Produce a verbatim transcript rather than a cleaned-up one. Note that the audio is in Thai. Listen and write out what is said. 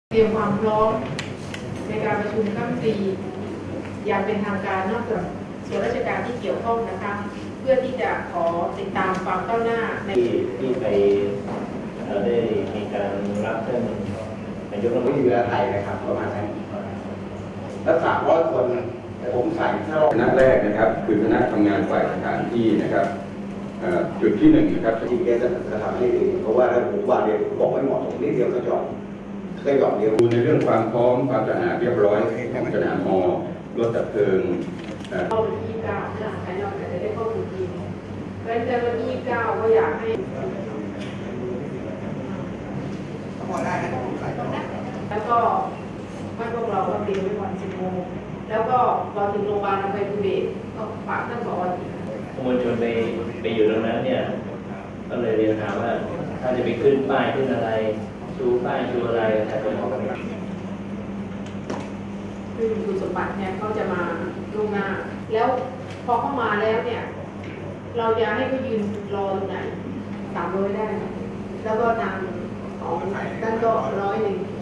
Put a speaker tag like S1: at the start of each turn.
S1: เตรียมความพร้อมในการประชุมครั้งปีอย่างเป็นทางการนอกจากส่วนราชการที่เกี่ยวข้องนะคะเพื่อที่จะขอติดตามความก้าวหน้าใน
S2: ที่ที่ไปได้มีการรับท่านนายกรัฐมนตรี
S3: เรือไทยนะครับประมาณนั้นแล้วสามร้อยคนแต่ผมใส่ถ้าเรา
S4: คณะแรกนะครับคือคณะทำงานฝ่ายสถานที่นะครับจุดที่หนึ่งนะครับ
S3: ที่แกจะจะทำให้ดีเพราะว่าถ้าผมวางเดียวบอกไม่เหมาะสมนิดเดียวก็จบก็หยอดเดียว
S4: ดูในเรื่องความพร้อมความสะอาดเรียบร้อยของสนามมอรถดับเพลิง
S1: เข้าวันที่ยี่สิบเก้าค่ะภายนอกจะได้ข้อมูลทีเพราะฉะนั้นวันที่ยี่สิบเก้าก็อยากให้แล้วก็ไม่พวกเราก็เตรียมไว้ก่อนสิบโมงแล้วก็พอถึงโรงพยาบาลเราไปดูเด็กก็ฝากท่านผอ.
S2: มวลชนไปไปอยู่ตรงนั้นเนี่ยก็เลยเรียนถามว่าถ้าจะไปขึ้นป้ายขึ้นอะไรชูป้ายชูอะไรแต่ก็มองกันไม่
S1: คือคุณสมบัติเนี่ยเขาจะมาล่วงหน้าแล้วพอเข้ามาแล้วเนี่ยเราจะให้เขายืนรอตรงไหนสามร้อยได้ไหมแล้วก็ทางของท่านก็ร้อยหนึ่ง